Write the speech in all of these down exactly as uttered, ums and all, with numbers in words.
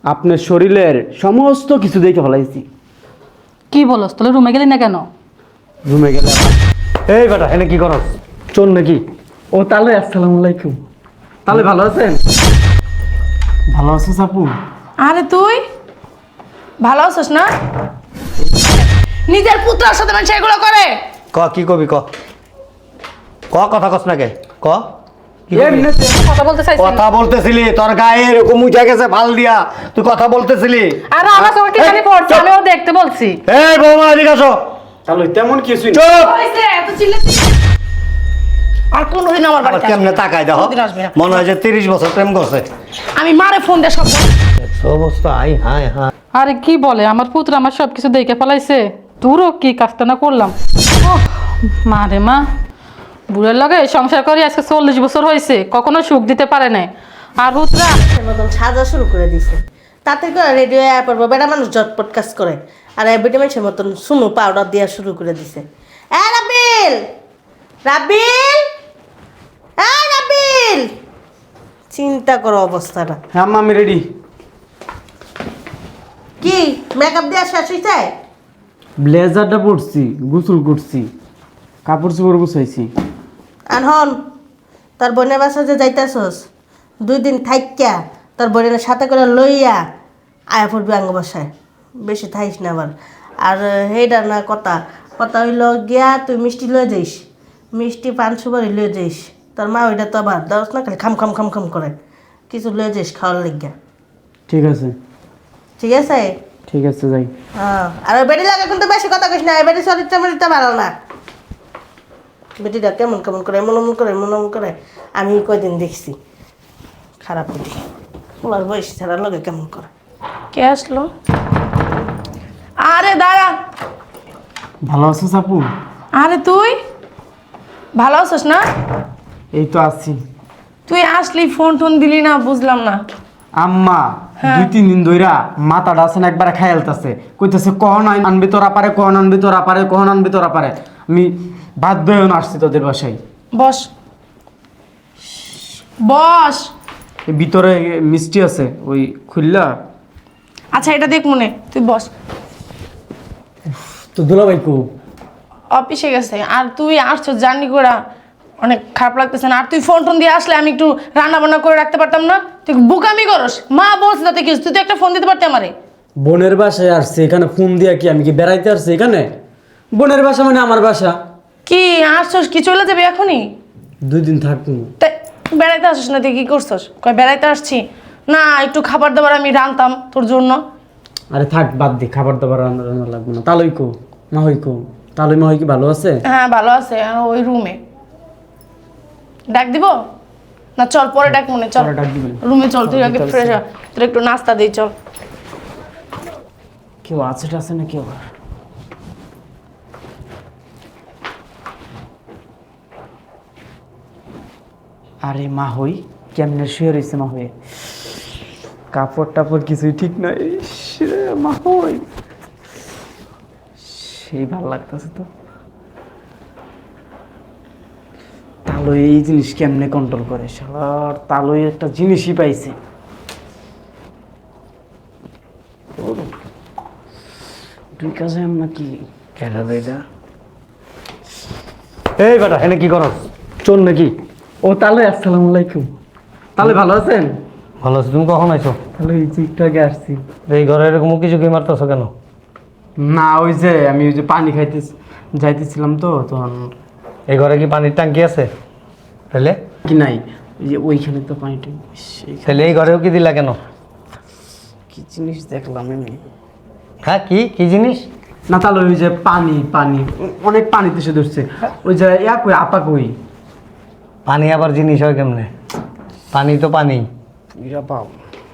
আপনার শরীরের সমস্ত কিছু দেখে ফেলাইছি। কি বলস? তাহলে রুমে গেলি না কেন? রুমে গেলে এই বেটা এনে কি করস? চল নাকি? ও তাহলে আসসালামু আলাইকুম। তাহলে ভালো আছেন? ভালো আছিস আপু? আরে তুই ভালো আছিস না? নিজের পুত্রের সাথে মানুষ এগুলো করে। ক কি কবি ক ক কথা কস না কে ক কি কবি? এমনিতে কথা বলতে চাইছি কথা বলতেছিলি তোর গায়ে এরকম উঠে গেছে ভাল দিয়া তুই কথা বলতেছিলি। আর আমার চোখে কি জানি পড়ছে, আমিও দেখতে বলছি। এই বৌমা এদিকে আসো। তাহলে তেমন কিছুই না। চুপ। হইছে এত চিল্লাচ্ছিস। আর কোনদিন আমার আবার বাড়িতে কেমনে আসবি না। তাকাই দেখো কোনদিন আসবি না। মনে হয় যে তিরিশ বছর প্রেম করছে। আমি মারে ফোন দিয়ে সব বল- অবস্থা আই হাই হাই। আরে কি বলে, আমার পুত্র আমার সব কিছু দেখে ফেলাইছে। তোরও কি কাজটা না করলাম। ওহ, মা রে মা, বুড়ের লগে সংসার করি আজকে চল্লিশ বছর হয়েছে, কখনো সুখ দিতে পারে নাই। আর পুত্রা মতন সাজা শুরু করে দিছে তাতে করে রেডিও অ্যাপ পড়বো বেটা মানুষ জটপট কাজ করে আর বেটা মানুষের মতন শুনু পাউডার দেওয়া শুরু করে দিছে। এ রাবিল রাবিল এ রাবিল চিন্তা করো অবস্থাটা। হ্যাঁ আম্মা আমি রেডি। কি মেকআপ দেওয়া শেষ হয়েছে? ব্লেজারটা পরছি, গোসল করছি, কাপড় চোপড় গুছাইছি। আর হন তোর বোনের বাসা যে যাইতেছস দুই দিন থাইক্যা তোর বোনের সাথে করে লইয়া আয়া পড়বি আঙ্গ বাসায়, বেশি থাইস না আবার। আর হেইডা না কথা কথা হইল গিয়া তুই মিষ্টি লয়ে যাইস, মিষ্টি পান সুপারি লয়ে যাইস। তোর মা ওইটা তো আবার দশ না খালি খাম খাম খাম খাম করে কিছু লয়ে যাইস খাওয়ার লাগিয়া। ঠিক আছে ঠিক আছে? ঠিক আছে যাই। হ্যাঁ আর ওই বেটি লাগে কিন্তু বেশি কথা কইস না, এই বেটি চরিত্র মরিত্র ভালো না। বেটিটা কেমন কেমন করে এমন এমন করে এমন এমন করে আমি কয়দিন দেখছি। খারাপ বেটি ওর বয়স ছাড়ার লগে কেমন করে। কে আসলো? আরে দাঁড়া। ভালো আছিস আপু? আরে তুই ভালো আছিস না? এই তো আছি। তুই আসলি ফোন টোন দিলি না, বুঝলাম না। আম্মা দুই তিন দিন ধইরা মাথাটা আছে না একবারে খায়ালতাছে, কইতাছে কখন আনবি তোরা পারে, কখন আনবি তোরা পারে, কখন আনবি তোরা পারে। আমি বাধ্য হয়ে না আসছি তোদের বাসায়। বস বস। এই ভিতরে মিষ্টি আছে, ওই খুললা। আচ্ছা এটা দেখ মনে, তুই বস। তো দুলাভাই কো? অফিসে গেছে। আর তুই আসছো জার্নি করা, অনেক খারাপ লাগতেছে না? আর তুই ফোন টোন দিয়ে আসলে আমি একটু রান্না বান্না করে রাখতে পারতাম না? তুই বুকামি করস। মা বলছে তাতে কি, তুই তো একটা ফোন দিতে পারতি আমারে। বোনের বাসায় আসছে, এখানে ফোন দিয়া কি আমি কি বেড়াইতে আসছি এখানে? বোনের বাসা মানে আমার বাসা। কি আসছস কি চলে যাবে এখনই? দুই দিন থাকবো। তাই বেড়াইতে আসছিস না, তুই কি করছস? কয় বেড়াইতে আসছি না, একটু খাবার দাবার আমি রান্তাম তোর জন্য। আরে থাক বাদ দি, খাবার দাবার রান্না রান্না লাগবে না। তালই কো মা হই কো? তালই মা হই কি ভালো আছে? হ্যাঁ ভালো আছে, আর ওই রুমে। ডাক দিব না? চল পরে ডাক মনে, চল পরে ডাক দিবেন। রুমে চল, তুই আগে ফ্রেশ হ, তোর একটু নাস্তা দিই চল। কেউ আছে আছে না কেউ? আরে মা হই কেমনে শুয়ে রয়েছে মা হয়ে, কাপড় টাপড় কিছুই ঠিক নাই। ইস রে, মা হই সেই ভালো লাগতেছে তো। তালই এই জিনিস কেমনে কন্ট্রোল করে, শালার তালই একটা জিনিসই পাইছে। দুই কাজে আমরা কি কেডা রে এটা? এই বেটা এনে কি করস? চল নাকি? ও তাহলে আসসালামু আলাইকুম। তাহলে ভালো আছেন? ভালো আছি। তুমি কখন আইছো? তাহলে এই যে একটু আগে আসছি। এই ঘরে এরকম উকি ঝুঁকি মারতেছো কেন? না ওই যে আমি ওই যে পানি খাইতে যাইতেছিলাম তো তখন। এই ঘরে কি পানির ট্যাঙ্কি আছে? তাহলে কি নাই, ওই যে ওইখানে তো পানিটা। তাহলে এই ঘরেও কি দিলা কেন? কি জিনিস দেখলাম আমি। হ্যাঁ কি কি জিনিস? না তাহলে ওই যে পানি পানি অনেক পানিতে সে ধরছে। ওই যে ইয়া কই আপা কই? পানি আবার জিনিস হয় কেমনে? পানি তো পানি। ইরা পাও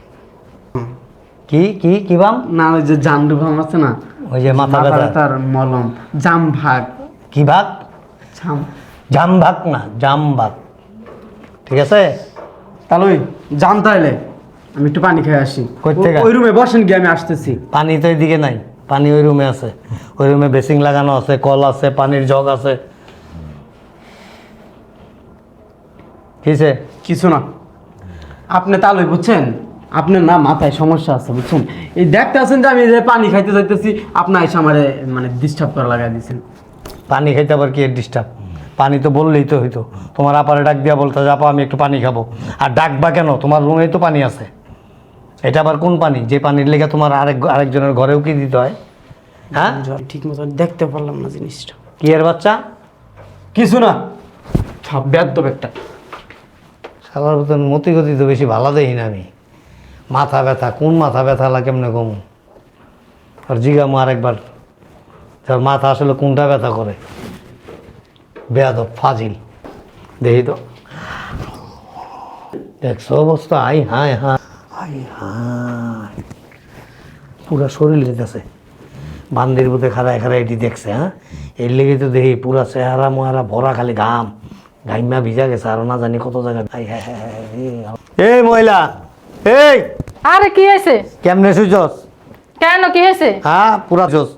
কি কি কি বাম? না ওই যে জামডু ভাম আছে না, ওই যে মাথা ব্যথা। তার মলম জাম ভাগ। কি ভাগ? জাম জাম ভাগ না, জাম ভাগ। ঠিক আছে তাহলে ওই জাম তাইলে আমি একটু পানি খেয়ে আসি। কই থেকে? ওই রুমে বসেন গিয়ে আমি আসতেছি। পানি তো এইদিকে নাই, পানি ওই রুমে আছে। ওই রুমে বেসিং লাগানো আছে, কল আছে, পানির জগ আছে। কিসে? কিছু না, আপনি তালই বুঝছেন আপনার না মাথায় সমস্যা আছে বুঝছেন, এই দেখতে আছেন যে আমি যে পানি খাইতে যাইতেছি আপনার এসে আমারে মানে ডিস্টার্ব করা লাগাই দিয়েছেন। পানি খাইতে আবার কি ডিস্টার্ব? পানি তো বললেই তো হইতো, তোমার আপারে ডাক দিয়া বলতে যে আপা আমি একটু পানি খাবো। আর ডাকবা কেন? তোমার রুমেই তো পানি আছে। এটা আবার কোন পানি যে পানির লেগে তোমার আরেক আরেকজনের ঘরেও কি দিতে হয়? হ্যাঁ, ঠিক মতো দেখতে পারলাম না জিনিসটা। কি এর বাচ্চা? কিছু না, সব বেদ্যপ একটা। সালার মতন মতি গতি তো বেশি ভালো দেখি না আমি। মাথা ব্যথা, কোন মাথা ব্যথা লাগে কেমনে কম? আর জিগামো আরেকবার তার মাথা আসলে কোনটা ব্যথা করে। বেয়াদব ফাজিল, দেখি তো। দেখছো অবস্থা? আই হায় হায় আই হায়, পুরা শরীর যেতেছে। বান্দির বুতে খাড়ায় খাড়ায় এটি দেখছে। হ্যাঁ, এর লেগে তো দেখি পুরা চেহারা মোহারা ভরা খালি ঘাম, ঘাইমা ভিজা গেছে আরো না জানি কত জায়গায়। আই হায় হায় হায়, এই মহিলা, এই আরে কি হয়েছে? কেমনে শুইছস? কেন কি হয়েছে? হ্যাঁ, পুরা চোস।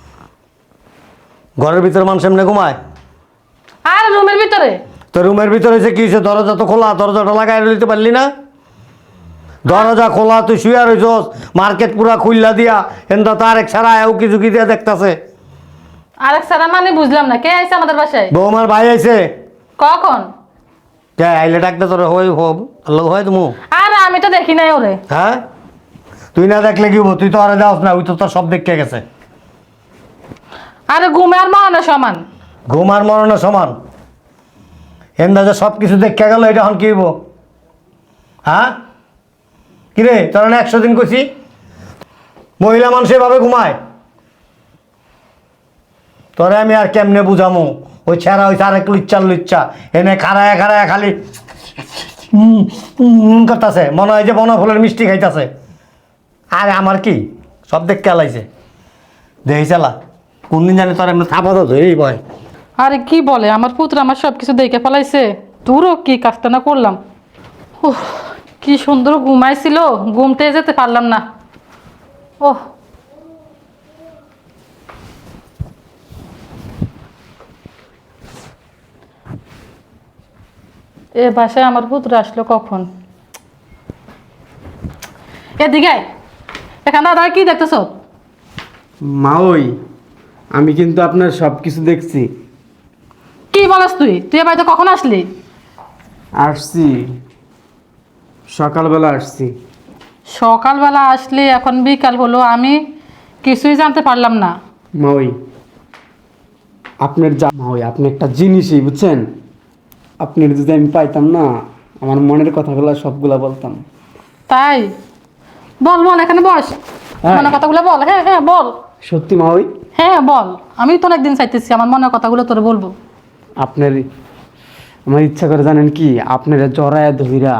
ঘরের ভিতরে মানুষ এমনি ঘুমায়? আর রুমের ভিতরে? তো রুমের ভিতরে যে কি হয়েছে? দরজা তো খোলা, দরজাটা লাগাই দিতে পারলি না? দরজা খোলা, তুই শুয়ে রইছস, মার্কেট পুরা খুললা দিয়া, এনটা তো আরেক ছাড়া উকি ঝুঁকি দিয়ে দেখতাছে। আরেক সারা মানে বুঝলাম না, কে আইছে আমাদের বাসায়? বৌমার ভাই আইছে। কখন? কে আইলে ডাকতে তোর হয় হোক আল্লাহ হয় তুমি? আর আমি তো দেখি নাই ওরে। হ্যাঁ, তুই না দেখলে কি হবো? তুই তো আরে যাস না, ওই তো তোর সব দেখতে গেছে। আরে ঘুমে আর মরণে সমান। ঘুম আর মরণের সমান। এন্দা যে সব কিছু দেখে গেল, এটা এখন কি হইব? হ্যাঁ, কিরে তোর না একশো দিন কইছি মহিলা মানুষ এভাবে ঘুমায়? তোরে আমি আর কেমনে বুঝামো? ওই ছেঁড়া ওই আরেক লুচ্চা লুচ্চা এনে খাড়ায় খাড়ায় খালি উম, উম করতেছে, মনে হয় যে বনফলের মিষ্টি খাইতেছে। আরে আমার কি সব দেখ কেলাইছে, দেখি চালা কোন দিন জানি তোর এমনি থাপা তো ধরেই বয়। আরে কি বলে, আমার পুত্র আমার সব কিছু দেখে ফেলাইছে। তোরও কি কাজটা না করলাম। উফ, কি সুন্দর ঘুমাইছিল, ঘুমতে যেতে পারলাম না। ওহ, এ বাসায় আমার পুত্র আসলো কখন? এদিকে আয়। এখানে দাদা কি দেখতেছ? মা ওই আমি কিন্তু আপনার সব কিছু দেখছি। কি বলস তুই? তুই এ বাড়িতে কখন আসলি? আসছি সকালবেলা আসছি। সকালবেলা আসলি, এখন বিকাল হলো, আমি কিছুই জানতে পারলাম না। মা ওই আপনার যা মা ওই আপনি একটা জিনিসই বুঝছেন, আপনার যদি আমি পাইতাম না আমার মনের কথাগুলো সবগুলা বলতাম। তাই বল বল, এখানে বস, হ্যাঁ। মনের কথাগুলো বল। হ্যাঁ হ্যাঁ বল। সত্যি মা ওই হ্যাঁ বল, আমি তো অনেকদিন চাইতেছি আমার মনের কথাগুলো তোরে বলবো। আপনার আমার ইচ্ছা করে জানেন কি, আপনার জড়ায় ধইরা।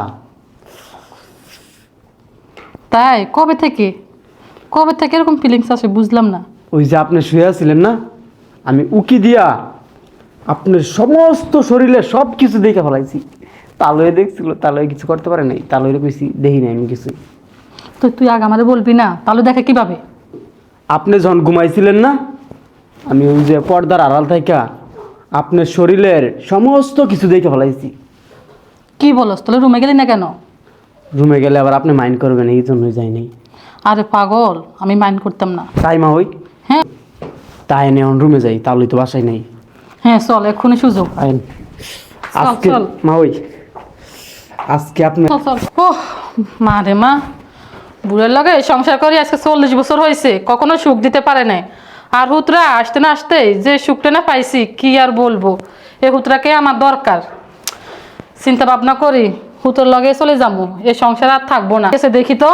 তাই কবে থেকে কবে থেকে এরকম ফিলিংস আসে বুঝলাম না। ওই যে আপনি শুয়ে আছিলেন না, আমি উকি দিয়া আপনার সমস্ত শরীরে সব কিছু দেখে ফেলাইছি। তালয়ে দেখছিল, তালয়ে কিছু করতে পারে নাই, তালয়ে কইছি দেখি নাই আমি কিছু। তো তুই আগে আমাদের বলবি না, তাহলে দেখে কিভাবে? আপনি যখন ঘুমাইছিলেন না, আমি ওই যে পর্দার আড়াল থাইকা আপনার শরীরের সমস্ত কিছু দেখে ফেলাইছি। কি বলস? তাহলে রুমে গেলি না কেন? রুমে গেলে আবার আপনি মাইন্ড করবেন এই জন্যই যাই নাই। আরে পাগল, আমি মাইন্ড করতাম না। তাই মা ওই হ্যাঁ তাই নেই রুমে যাই, তাহলে তো বাসায় নেই। হ্যাঁ চল, এক্ষুনি সুযোগ। আইন চল, আজকে চল। মা ওই আজকে আপনি চল চল। ওহ মা রে মা, বুড়ের লগে সংসার করি আজকে চল্লিশ বছর হয়েছে, কখনো সুখ দিতে পারে নাই। আর হুতরা আসতে না আসতেই যে সুখটা না পাইছি কি আর বলবো। এই হুতরাকে আমার দরকার। চিন্তা ভাবনা করি হুতোর লগে চলে যাবো, এই সংসার আর থাকবো না। এসে দেখি তো।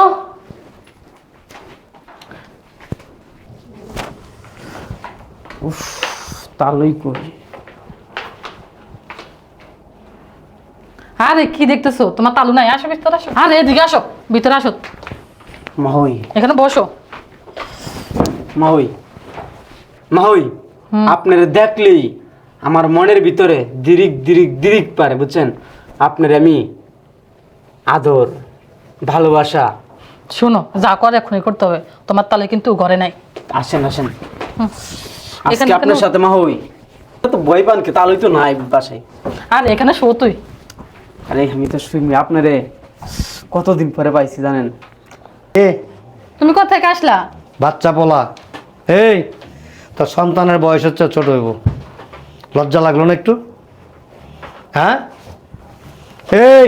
তালই করি। আরে কি দেখতেছো? তোমার তালু নাই? আসো ভিতরে আসো। আরে এদিকে আসো, ভিতরে আসো, মাহই এখানে বসো। মাহই মাহই আপনার দেখলেই আমার মনের ভিতরে দিরিক দিরিক দিরিক পারে বুঝছেন। আপনার আমি আদর ভালোবাসা। শোনো, যা করে এখনই করতে হবে। তোমার তালে কিন্তু ঘরে নাই। আসেন আসেন হুম। আজকে এখানে আপনার কেন? সাথে মাহই তো বই পানকে তালই তো নাই বাসায়। আর এখানে শো তুই। আরে আমি তো শুনি আপনারে কতদিন পরে পাইছি জানেন? এ তুমি কোথা থেকে আসলা? বাচ্চা পোলা, এই তোর সন্তানের বয়স হচ্ছে ছোট হইব, লজ্জা লাগলো না একটু? হ্যাঁ, এই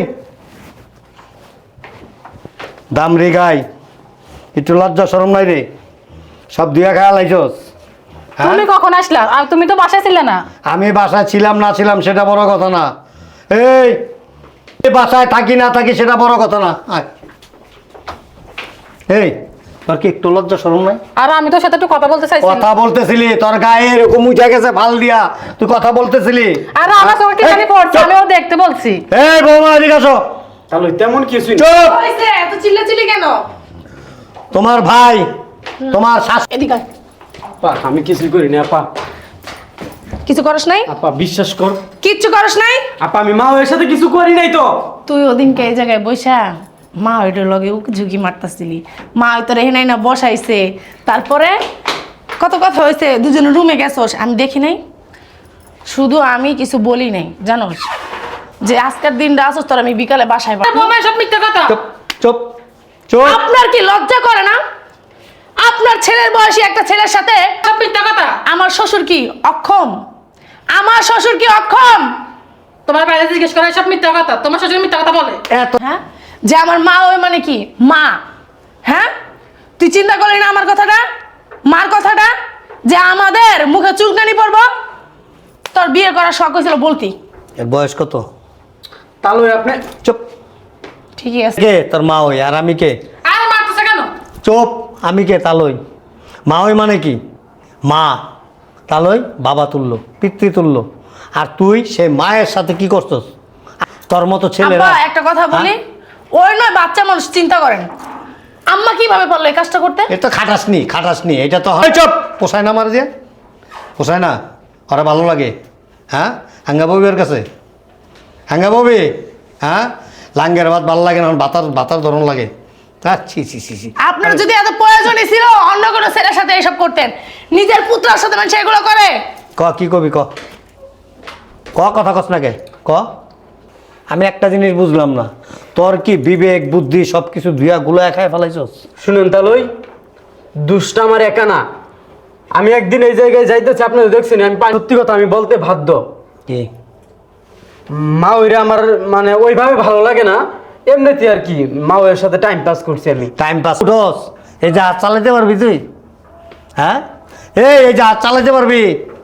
দামরি গাই, একটু লজ্জা শরম নাই রে? সব দিয়া খায়া লাইছস? হ্যাঁ, তুমি কখন আসলা? আর তুমি তো বাসায় ছিলে না। আমি বাসায় ছিলাম না ছিলাম সেটা বড় কথা না। এই এই বাসায় থাকি না থাকি সেটা বড় কথা না। আয়। এই তোর কি একটু লজ্জা শরম নাই? আর আমি তোর সাথে একটু কথা বলতে চাইছি। কথা বলতেছিলি, তোর গায়ে এরকম উঠে গেছে ফাল দিয়া, তুই কথা বলতেছিলি। আর আমার চোখে কি জানি পড়ছে, আমিও দেখতে বলছি। এই বৌমা এদিকে আসো। তাহলে তেমন কিছুই না। চুপ! হইছে এত চিল্লাচিল্লি কেন? তোমার ভাই, তোমার শাশ এদিকে আয়। আপা আমি কিছুই করি না আপা। কিছু করস নাই? আপা বিশ্বাস কর, কিচ্ছু করস নাই? আপা আমি মা ওর সাথে কিছু করি নাই তো। তুই ওদিনকে এই জায়গায় বসা মা ওইটার লগে উকি ঝুঁকি মারতাছিলি, মা ওই তোর এখানে না বসাইছে, তারপরে কত কথা হয়েছে, দুজনে রুমে গেছোস, আমি দেখি নাই। শুধু আমি কিছু বলি নাই, জানোস যে আজকের দিনটা আসোস তোর আমি বিকালে বাসায় পাঠাবো। বৌমা সব মিথ্যা কথা। চুপ চুপ চুপ। আপনার কি লজ্জা করে না? আপনার ছেলের বয়সী একটা ছেলের সাথে সব মিথ্যা কথা। আমার শ্বশুর কি অক্ষম? আমার শ্বশুর কি অক্ষম? তোমার বাইরে জিজ্ঞেস করে সব মিথ্যা কথা। তোমার শ্বশুর মিথ্যা কথা বলে। এত হ্যাঁ, যে আমার মা ওই মানে কি মা? হ্যাঁ, তুই চিন্তা করলি না আমার কথাটা, মার কথাটা, যে আমাদের মুখে চুলকানি পড়বো? তোর বিয়ে করার শখ হয়েছিল বলতি। এর বয়স কত? তাহলে আপনি চুপ। ঠিকই আছে। কে তোর মা ওই, আর আমি কে? আর মারতেছে কেন? চুপ। আমি কে? তালই। মা ওই মানে কি? মা। তালই বাবা তুল্য, পিতৃ তুল্য। আর তুই সেই মায়ের সাথে কি করছস? তোর মতো ছেলেরা। আব্বা একটা কথা বলি, ওই নয় বাচ্চা মানুষ, চিন্তা করেন আম্মা কিভাবে পারলো এই কাজটা করতে? এটা খাটাসনি খাটাসনি, এটা তো হয়। চুপ। পোষায় না মার দিয়ে? পোষায় না? ওরা ভালো লাগে? হ্যাঁ, হাঙ্গা ববি ওর কাছে? হাঙ্গা ববি? হ্যাঁ, লাঙ্গের ভাত ভালো লাগে না, বাতার বাতার ধরন লাগে। ছি ছি ছি ছি। আপনার যদি এত প্রয়োজনই ছিল অন্য কোনো ছেলের সাথে এসব করতেন, নিজের পুত্রের সাথে মানুষ এগুলো করে? ক কি কবি ক ক কথা কস না কে ক। আমি একটা জিনিস বুঝলাম না, তোর কি বিবেক বুদ্ধি সব কিছু ধুয়া গুলায় খায় ফেলাইছস? শুনুন তাহলে দুষ্টা আমার একা না। আমি একদিন এই জায়গায় যাইতেছি, আপনি তো দেখছেন, আমি পা- সত্যি কথা আমি বলতে বাধ্য। কি মা ওইরা আমার মানে ওইভাবে ভালো লাগে না, এমনিতে আর কি মা ওর সাথে টাইম পাস করছি আমি। টাইম পাস উঠোস? এই জাহাজ চালাতে পারবি তুই? হ্যাঁ, এই এই জাহাজ চালাতে পারবি?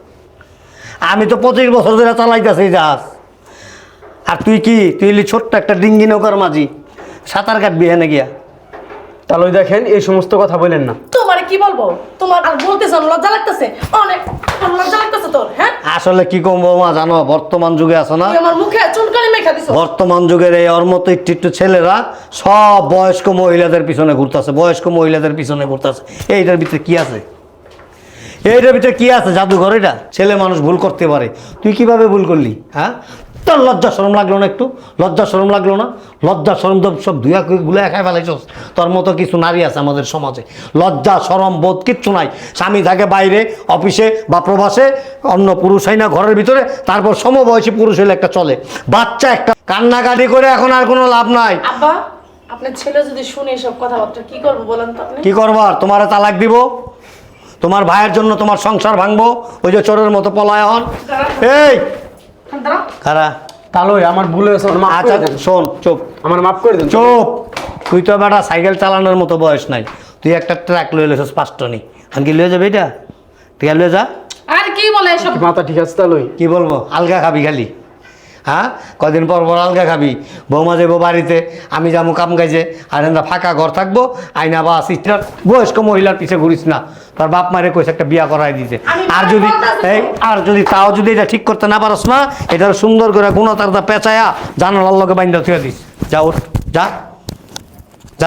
আমি তো পঁচিশ বছর ধরে চালাইতেছি এই জাহাজ। আর তুই কি, তুই এলি ছোট্ট একটা ডিঙ্গি নৌকার মাঝি, সাঁতার কাটবি হেনে গিয়া? তাহলে দেখেন এই সমস্ত কথা বলেন না। তোমার কি বলবো? তোমার আর বলতেছ লজ্জা লাগতেছে? অনেক লজ্জা লাগতেছে তোর? হ্যাঁ, আসলে কি কম বৌমা জানো, বর্তমান যুগে আছো না, তুই আমার মুখে চুনকানি মেখা দিছো। বর্তমান যুগের এই ওর মতো একটু একটু ছেলেরা সব বয়স্ক মহিলাদের পিছনে ঘুরতেছে, বয়স্ক মহিলাদের পিছনে ঘুরতেছে। এইটার ভিতরে কি আছে? এইটার ভিতরে কি আছে? জাদুঘর এটা? ছেলে মানুষ ভুল করতে পারে, তুই কিভাবে ভুল করলি? হ্যাঁ, তোর লজ্জা শরম লাগলো না একটু? লজ্জা শরম লাগলো না? লজ্জা শরম তো সব ধুয়া গুলা খাই ফেলাইছস। তোর মতো কিছু নারী আছে আমাদের সমাজে, লজ্জা শরম বোধ কিচ্ছু নাই। স্বামী থাকে বাইরে অফিসে বা প্রবাসে, অন্য পুরুষ হয় না ঘরের ভিতরে, তারপর সমবয়সী পুরুষ হলে একটা চলে, বাচ্চা একটা। কান্নাকাটি করে এখন আর কোনো লাভ নাই। আব্বা, আপনার ছেলে যদি শুনে এসব কথাবার্তা কি করবো বলেন তো আপনি? কি করবার? তোমারে তালাক দিব, তোমার ভাইয়ের জন্য তোমার সংসার ভাঙবো, ওই যে চোরের মতো পলায় হন। এই কারা? তাহলে আমার ভুল হয়েছে, আমার মাফ আচ্ছা করে দেন। শোন, চুপ আমার মাফ করে দেন। চুপ। তুই তো বেটা সাইকেল চালানোর মতো বয়স নাই, তুই একটা ট্রাক লয়ে লেছিস পাঁচটনি, আমি কি লয়ে যাবে এটা? ঠিক আছে লয়ে যা। আর কি বলে এসব? মাথা ঠিক আছে তাহলে? কি বলবো? আলগা খাবি খালি? হ্যাঁ, কদিন পর পর আলগা খাবি। বৌমা যাবো বাড়িতে, আমি যাবো কাম কাজে, আর এন্দা ফাঁকা ঘর থাকবো, আইনা বা সিস্টার বয়স্ক মহিলার পিছে ঘুরিস না। তার বাপ মারে কইছে একটা বিয়া করাই দিতে। আর যদি এই আর যদি তাও যদি এটা ঠিক করতে না পারস না, এটা সুন্দর করে গুণতারটা পেঁচায়া জানালার লগে বাইন্দা থুয়ে দিস। যা ওঠ, যা যা।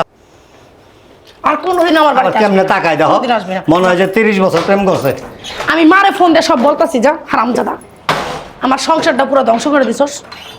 আর কোনোদিন আমার আবার বাড়িতে কেমনে আসবে না। তাকায় দেখো, কোনোদিন আসবে না। মনে হয় যে তিরিশ বছর প্রেম করছে। আমি মারে ফোন দিয়ে সব বলতাছি, যা হারামজাদা, আমার সংসারটা পুরো ধ্বংস করে দিছস।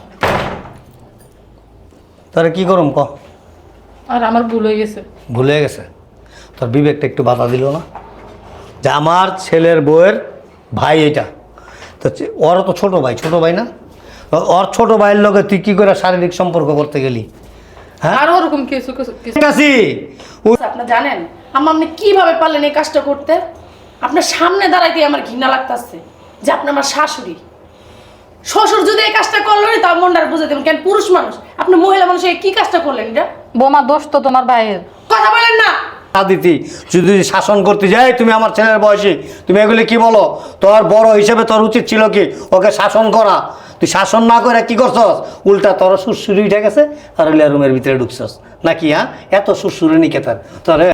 তোরা কি করুম ক? আর আমার ভুল হয়ে গেছে। ভুলে গেছে? তোর বিবেকটা একটু বাধা দিল না যে আমার ছেলের বউয়ের ভাই এটা তো, চে- ওরও তো ছোট ভাই, ছোট ভাই না? ও- ওর ছোট ভাইয়ের লগে তুই কি করে শারীরিক সম্পর্ক করতে গেলি? হ্যাঁ? আর ওরকম কিছু কিছু কিছু- কাছি আপনি জানেন আম্মা আপনি কিভাবে পারলেন এই কাজটা করতে? আপনার সামনে দাঁড়াইতে আমার ঘৃণা লাগতাছে যে আপনি আমার শাশুড়ি। শ্বশুর যদি এই কাজটা করলো না তার মনটা বুঝে দেবেন কেন পুরুষ মানুষ আপনি মহিলা মানুষ এই কি কাজটা করলেন এটা? বোমা দোষ তো তোমার ভাইয়ের। কথা বলেন না। দিতি যদি শাসন করতে যাই, তুমি আমার ছেলের বয়সী, তুমি এগুলি কি বলো? তোর বড় হিসেবে তোর উচিত ছিল কি ওকে শাসন করা। তুই শাসন না করে কি করছস? উল্টা তোর সুরসুরি উঠে গেছে আর রুমের ভিতরে ঢুকছস নাকি? হ্যাঁ, এত সুরসুরি নিকে তার তোর